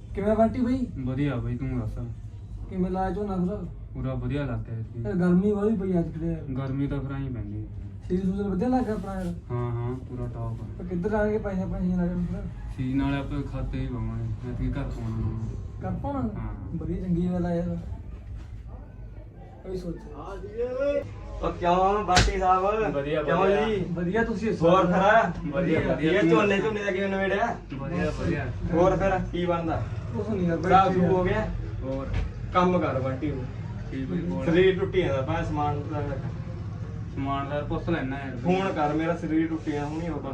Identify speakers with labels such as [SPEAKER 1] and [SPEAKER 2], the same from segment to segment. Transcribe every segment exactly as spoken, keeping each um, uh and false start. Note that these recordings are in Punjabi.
[SPEAKER 1] ਕਿਵੇਂ ਬੰਟੀ ਬਈ?
[SPEAKER 2] ਵਧੀਆ ਬਈ, ਤੂੰ ਦੱਸ।
[SPEAKER 1] ਕਿਵੇਂ ਲਾਇਆ ਝੋਨਾ ਫਿਰ?
[SPEAKER 2] ਪੂਰਾ ਵਧੀਆ ਲੱਗ ਗਿਆ ਇਸਕੀ।
[SPEAKER 1] ਯਾਰ ਗਰਮੀ ਵਾਲੀ ਪਈ ਅੱਜ ਕਿਤੇ।
[SPEAKER 2] ਗਰਮੀ ਤਾਂ ਫਿਰ ਆਈ ਪੈਂਦੀ।
[SPEAKER 1] ਸੀਜ਼ਨ ਸੂਜ਼ਨ ਵਧੀਆ ਲੱਗ ਗਿਆ ਆਪਣਾ ਯਾਰ।
[SPEAKER 2] ਹਾਂ ਹਾਂ ਪੂਰਾ ਟੌਪ ਆ।
[SPEAKER 1] ਪਰ ਕਿੱਧਰ ਆਣਗੇ ਪੈਸੇ ਪੈਸੇ ਨਾਲ ਫਿਰ?
[SPEAKER 2] ਸੀ ਨਾਲੇ ਆਪਾਂ ਖਾਤੇ ਹੀ ਪਾਵਾਂਗੇ, ਮੈਂ ਤੇ ਘਰ ਪਾਉਣਾ ਨਾ।
[SPEAKER 1] ਕਰ ਪਾਉਣਾ?
[SPEAKER 2] ਹਾਂ।
[SPEAKER 1] ਬੜੀ ਚੰਗੀ ਗੱਲ ਆ ਯਾਰ। ਕੋਈ ਸੋਚ।
[SPEAKER 3] ਉਹ ਕਿਉਂ ਬਾਟੀ ਸਾਹਿਬ?
[SPEAKER 2] ਵਧੀਆ,
[SPEAKER 3] ਕਿਉਂ
[SPEAKER 2] ਵਧੀਆ।
[SPEAKER 3] ਜੀ?
[SPEAKER 1] ਵਧੀਆ ਤੁਸੀਂ ਦੱਸੋ।
[SPEAKER 3] ਹੋਰ ਫਿਰ
[SPEAKER 2] ਵਧੀਆ, ਵਧੀਆ।
[SPEAKER 3] ਇਹ ਝੋਨੇ ਝੋਨੇ ਦਾ ਕਿਵੇਂ ਨਵੇੜਿਆ?
[SPEAKER 2] ਵਧੀਆ ਵਧੀਆ।
[SPEAKER 3] ਹੋਰ ਫਿਰ ਕੀ ਬਣਦਾ?
[SPEAKER 1] ਕੁਛ ਨਹੀਂ ਯਾਰ ਬਈ।
[SPEAKER 3] ਸਾਫ ਹੋ ਗਿਆ?
[SPEAKER 2] ਹੋਰ
[SPEAKER 3] ਕੰਮ ਕਰ ਬਾਟੀ ਨੂੰ।
[SPEAKER 2] ਕੀ ਬਈ ਬੋਲ।
[SPEAKER 3] ਸਰੀਰ ਟੁੱਟੀ ਜਾਂਦਾ ਪਾ ਸਮਾਨ ਦਾ
[SPEAKER 2] ਸਮਾਨ ਦਾ ਪੁੱਛ ਲੈਣਾ ਯਾਰ।
[SPEAKER 3] ਫੋਨ ਕਰ, ਮੇਰਾ ਸਰੀਰ ਟੁੱਟੀ ਜਾਂਦਾ ਹੁਣੀ ਉਹ ਬਸ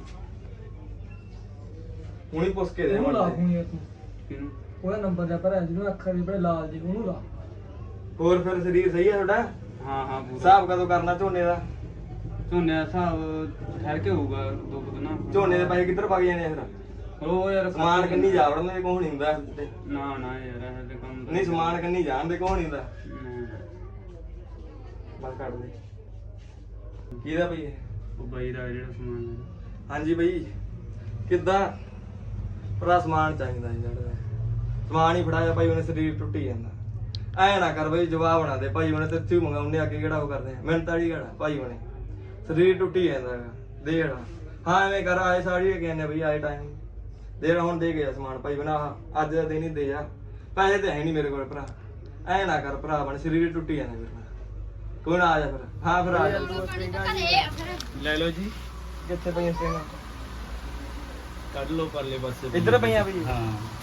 [SPEAKER 3] ਹੁਣੀ ਪੁੱਛ ਕੇ ਦੇ
[SPEAKER 1] ਉਹਨੂੰ ਲਾ
[SPEAKER 3] ਮੜ
[SPEAKER 1] ਫੋਨ ਯਾਰ ਤੂੰ।
[SPEAKER 2] ਕਿਹਨੂੰ?
[SPEAKER 1] ਉਹਦਾ ਨੰਬਰ ਜਾ ਭਰਿਆ ਜਿਹਨੂੰ ਅੱਖਰ ਦੇ ਬੜੇ ਲਾਲ ਜੀ ਉਹਨੂੰ ਲਾ।
[SPEAKER 3] ਹੋਰ ਫਿਰ ਸਰੀਰ ਸਹੀ ਹੈ ਤੁਹਾਡਾ?
[SPEAKER 2] ਹਾਂ ਹਾਂ ਪੂਰਾ।
[SPEAKER 3] ਹਿਸਾਬ ਕਦੋਂ ਕਰਨਾ ਝੋਨੇ ਦਾ?
[SPEAKER 2] ਝੋਨੇ ਦਾ ਹਿਸਾਬ ਠਹਿਰ ਕੇ ਹੋਊਗਾ ਦੋ ਕੁ ਦਿਨਾਂ।
[SPEAKER 3] ਝੋਨੇ ਦੇ ਪੈਸੇ ਕਿੱਧਰ ਵਗ ਜਾਣੇ ਆ ਫਿਰ?
[SPEAKER 2] ਉਹ ਯਾਰ
[SPEAKER 3] ਸਮਾਨ ਕੰਨੀ ਜਾ ਵੜਨ ਦੇ ਕੋਹ ਨਹੀਂ ਹੁੰਦਾ ਤੇ
[SPEAKER 2] ਨਾ ਨਾ ਯਾਰ ਇਹ ਤੇ ਕੰਮ ਤਾਂ-
[SPEAKER 3] ਨਹੀਂ ਸਮਾਨ ਕੰਨੀ ਜਾਣ ਦੇ ਕੋਹ ਨਹੀਂ ਹੁੰਦਾ।
[SPEAKER 2] ਨਹੀਂ।
[SPEAKER 3] ਬਸ ਕੱਢ ਦੇ। ਕਿਹਦਾ ਬਈ ਇਹ?
[SPEAKER 2] ਉਹ ਬਾਈ ਦਾ ਜਿਹੜਾ ਸਮਾਨ ਹੈ।
[SPEAKER 3] ਹਾਂਜੀ ਬਈ ਕਿੱਦਾਂ? ਭਰਾ ਸਮਾਨ ਚਾਹੀਦਾ ਜੀ ਜਿਹੜਾ ਸਮਾਨ ਹੀ ਫੜਾਇਆ ਭਾਈ, ਉਹਨੇ ਸਰੀਰ ਟੁੱਟੀ ਜਾਂਦਾ। ਐ ਨਾ ਕਰ ਬਈ, ਜਵਾਬ ਨਾ ਦੇ ਭਾਈ, ਉਹਨੇ ਤੇ ਇੱਥੇ ਮੰਗਾਉਣੇ ਅੱਗੇ ਕਿਹੜਾ ਉਹ ਕਰਦੇ ਆ ਮਿਹਨਤ ਵਾਲੀ ਕਿਹੜਾ ਭਾਈ, ਉਹਨੇ ਸਰੀਰ ਟੁੱਟੀ ਜਾਂਦਾ ਹੈਗਾ। ਦੇ ਜਿਹੜਾ ਹਾਂ ਐਵੇਂ ਕਰ, ਆਏ ਸਾੜੀ ਕਹਿੰਦੇ ਬਈ ਆਏ ਟਾਈਮ ਦੇ ਜਿਹੜਾ ਹੁਣ ਦੇ ਗਿਆ ਸਮਾਨ ਭਾਈ ਬਣਾ ਅੱਜ ਦਾ ਦਿਨ ਹੀ ਦੇ ਜਾ, ਪੈਸੇ ਤੇ ਹੈ ਨਹੀਂ ਮੇਰੇ ਕੋਲ ਭਰਾ। ਐ ਨਾ ਕਰ ਭਰਾ ਬਣ, ਸਰੀਰ ਟੁੱਟੀ ਜਾਂਦਾ ਮੇਰੇ ਨਾਲ। ਕੋਈ ਨਾ ਆ ਜਾ ਫਿਰ। ਹਾਂ ਫਿਰ ਆ ਜਾ।
[SPEAKER 2] ਲੈ ਲਓ ਜੀ।
[SPEAKER 3] ਕਿੱਥੇ ਪਈਆਂ ਸਟਿੰਗਾਂ?
[SPEAKER 2] ਕੱਢ ਲਓ ਪਰਲੇ ਪਾਸੇ।
[SPEAKER 3] ਇੱਧਰ ਪਈਆਂ ਬਈ?
[SPEAKER 2] ਹਾਂ।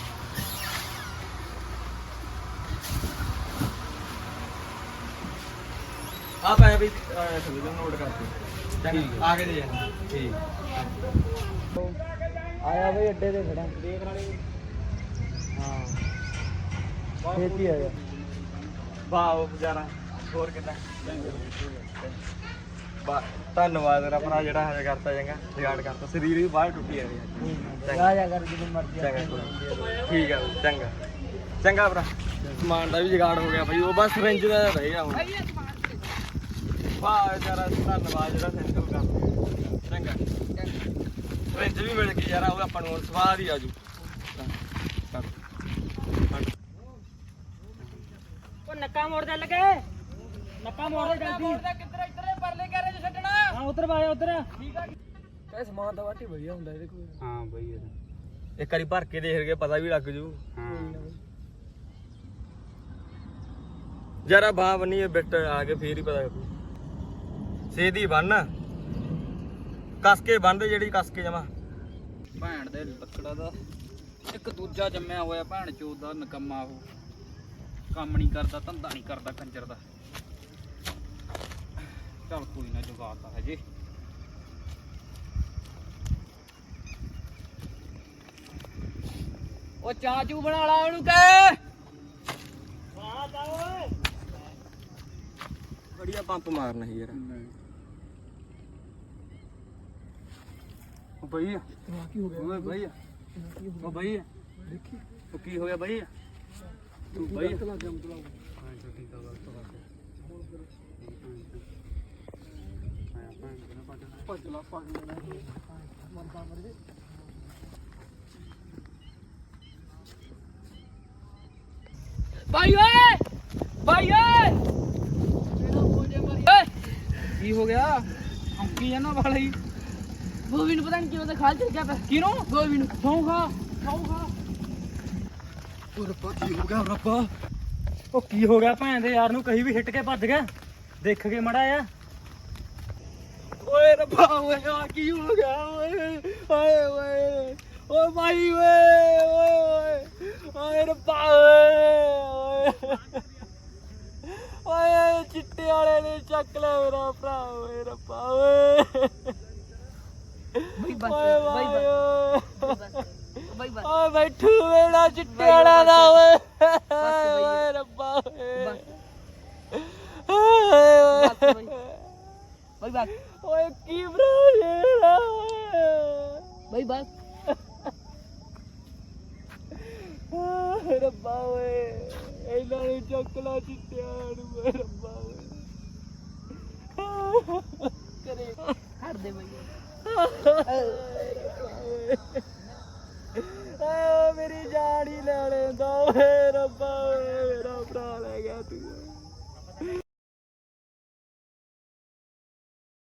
[SPEAKER 3] ਆ ਪਏ ਬਈ ਥੱਲੇ ਨੋਟ ਕਰਕੇ
[SPEAKER 2] ਠੀਕ
[SPEAKER 3] ਆ ਕੇ ਦੇ ਜਾਣਾ।
[SPEAKER 2] ਠੀਕ।
[SPEAKER 1] ਆਇਆ ਬਈ ਅੱਡੇ ਤੇ ਖੜਾ। ਦੇਖ ਰਾਣੀ। ਹਾਂ ਛੇਤੀ ਆ ਜਾ।
[SPEAKER 3] ਵਾਹ ਉਹ ਵਿਚਾਰਾ ਹੋਰ ਕਿੱਦਾਂ? ਬਾ ਧੰਨਵਾਦ ਤੇਰਾ ਭਰਾ ਜਿਹੜਾ ਹਜੇ ਕਰਤਾ ਚੰਗਾ ਜਗਾੜ ਕਰਤਾ, ਸਰੀਰ ਵੀ ਬਾਹਰ ਟੁੱਟੀ ਆ ਰਹੀ
[SPEAKER 1] ਜਾ ਜਾ ਕਰ ਜਦੋਂ ਮਰਜ਼ੀ ਆ।
[SPEAKER 3] ਚੰਗਾ ਠੀਕ ਆ ਬਈ, ਚੰਗਾ ਚੰਗਾ ਭਰਾ। ਸਮਾਨ ਦਾ ਵੀ ਜਗਾੜ ਹੋ ਗਿਆ ਬਈ, ਉਹ ਬਸ ਰਿੰਜ ਦਾ ਰਹਿ ਗਿਆ ਹੁਣ। ਵਾਹ ਵਿਚਾਰਾ ਧੰਨਵਾਦ ਜਿਹੜਾ ਸੈਂਟਲ ਕਰ ਚੰਗਾ। ਰਿੰਜ ਵੀ ਮਿਲ ਗਈ ਯਾਰ, ਉਹ ਆਪਾਂ ਨੂੰ ਸਵਾਦ ਹੀ ਆਜੂ।
[SPEAKER 1] ਉਹ ਨੱਕਾ ਮੋੜਦੇ ਲੱਗੇ। ਨੱਕਾ ਮੋੜਦੇ ਜਲਦੀ। ਕਿੱਧਰ ਇੱਧਰ ਪਰਲੇ ਘਰੇ ਚ ਛੱਡਣਾ। ਹਾਂ ਉਧਰ ਵਾਇਆ ਉਧਰ। ਠੀਕ ਆ। ਇਹ ਸਮਾਨ ਤਾਂ ਵਾਟੀ ਵਧੀਆ ਹੁੰਦਾ ਇਹਦੇ ਕੋਲ।
[SPEAKER 2] ਹਾਂ ਬਈ ਯਾਰ
[SPEAKER 3] ਇੱਕ ਵਾਰੀ ਭਰ ਕੇ ਦੇਖ ਕੇ ਪਤਾ ਵੀ ਲੱਗ ਜੂ।
[SPEAKER 2] ਹਾਂ।
[SPEAKER 3] ਜਰਾ ਬਾਹ ਬੰਨੀ ਬਿੱਟ ਆ ਕੇ ਫੇਰ ਹੀ ਪਤਾ ਲੱਗੂ। ਸੇਦੀ ਬੰਨ ਕੱਸ ਕੇ ਬੰਨਦੇ, ਜਿਹੜੀ ਕੱਸ ਕੇ ਜਮਾ।
[SPEAKER 4] ਭੈਣ ਦੇ ਲੱਕੜਾ ਦਾ ਇੱਕ ਦੂਜਾ ਜੰਮਿਆ ਹੋਇਆ ਭੈਣ ਚੋਦ ਦਾ ਨਕਮਾ, ਉਹ ਕੰਮ ਨਹੀਂ ਕਰਦਾ, ਧੰਦਾ ਨਹੀਂ ਕਰਦਾ ਕੰਜਰ ਦਾ। ਚੱਲ ਕੋਈ ਨਾ ਜਵਾਤਾ ਹਜੇ। ਉਹ ਚਾਹ ਚੂ ਬਣਾ ਲਾ ਉਹਨੂੰ ਕਹਿ।
[SPEAKER 3] ਬੜੀਆ ਪੰਪ ਮਾਰਨਾ ਸੀ ਯਾਰ।
[SPEAKER 2] ਉਹ ਬਈ
[SPEAKER 1] ਕੀ ਹੋ ਗਿਆ?
[SPEAKER 2] ਓਏ ਬਈ ਉਹ ਬਈ
[SPEAKER 1] ਦੇਖੀ
[SPEAKER 2] ਉਹ ਕੀ ਹੋ ਗਿਆ ਬਈ? ਤੂੰ ਬਈ
[SPEAKER 1] ਲੱਗ ਗਿਆ ਮਤਲਬ।
[SPEAKER 2] ਹਾਂ ਛੋਟੀ ਦਾ ਵਕਤ ਵਾਸਤੇ
[SPEAKER 1] ਭੱਜ ਲਾ ਭੱਜ ਲੈ ਮਰਦਾ ਮਰ ਜੇ।
[SPEAKER 4] ਭਾਈ ਓਏ ਭਾਈ ਓਏ ਕੀ ਹੋ ਗਿਆ? ਹੰਕੀ ਜਾਨਾ ਵਾਲਾ ਹੀ।
[SPEAKER 5] ਗੋਵੀ ਨੂੰ ਪਤਾ ਨਹੀਂ ਕਿਉਂ ਤਾਂ ਖਾਲ ਚਲ ਗਿਆ।
[SPEAKER 4] ਕਿਹਨੂੰ?
[SPEAKER 5] ਗੋਵੀ ਨੂੰ
[SPEAKER 4] ਸੌਂ ਖਾ ਸੌਂ ਖਾ।
[SPEAKER 1] ਉਹ ਰੱਬਾ ਕੀ ਹੋ ਗਿਆ ਰੱਬਾ? ਉਹ ਕੀ ਹੋ ਗਿਆ ਭੈਣ ਦੇ ਯਾਰ ਨੂੰ? ਕਹੀ ਵੀ ਹਿੱਟ ਕੇ ਭੱਜ ਗਿਆ। ਦੇਖ ਕੇ ਮੜਾ ਆ। ਓਏ ਰੱਬਾ ਓਏ ਆ ਕੀ ਹੋ ਗਿਆ ਓਏ? ਓਏ ਓਏ ਓ ਭਾਈ ਓਏ ਓਏ ਓਏ ਰੱਬਾ ਓਏ ਓਏ ਚਿੱਟੇ ਵਾਲੇ ਨੇ ਚੱਕ ਲਿਆ ਮੇਰਾ ਭਰਾ। ਓਏ ਰੱਬਾ ਓਏ
[SPEAKER 5] ਬਈ ਬਸ
[SPEAKER 1] ਓਏ
[SPEAKER 5] ਬਈ
[SPEAKER 1] ਭਾਈ
[SPEAKER 5] ਬਸ ਬਈ ਬਸ
[SPEAKER 1] ਓਏ ਬੈਠੂ ਮੇਰਾ ਚਿੱਟੇ ਵਾਲਾ ਦਾ ਓਏ
[SPEAKER 5] ਬਈ।
[SPEAKER 1] ਓਏ ਰੱਬਾ ਓਏ
[SPEAKER 5] ਬਸ
[SPEAKER 1] ਓਏ
[SPEAKER 5] ਬਸ ਬਈ ਬਈ ਬਸ
[SPEAKER 1] ਓਏ ਕੀ ਬਰਾ
[SPEAKER 5] ਬਈ ਬਸ
[SPEAKER 1] ਰੱਬਾ ਓਏ ਇਹਨਾਂ ਨੂੰ ਚੱਕ ਲਾ ਚਿੱਟਿਆਂ ਨੂੰ ਓਏ ਰੱਬਾ ਓਏ
[SPEAKER 5] ਕਰੇ ਹਟ ਦੇ ਬਈ।
[SPEAKER 1] ਆ ਮੇਰੀ ਜਾਨ ਹੀ ਲੈ ਲੈਂਦਾ ਓਏ ਰੱਬਾ ਓਏ ਮੇਰਾ ਭਰਾ ਲੈ ਗਿਆ ਤੂੰ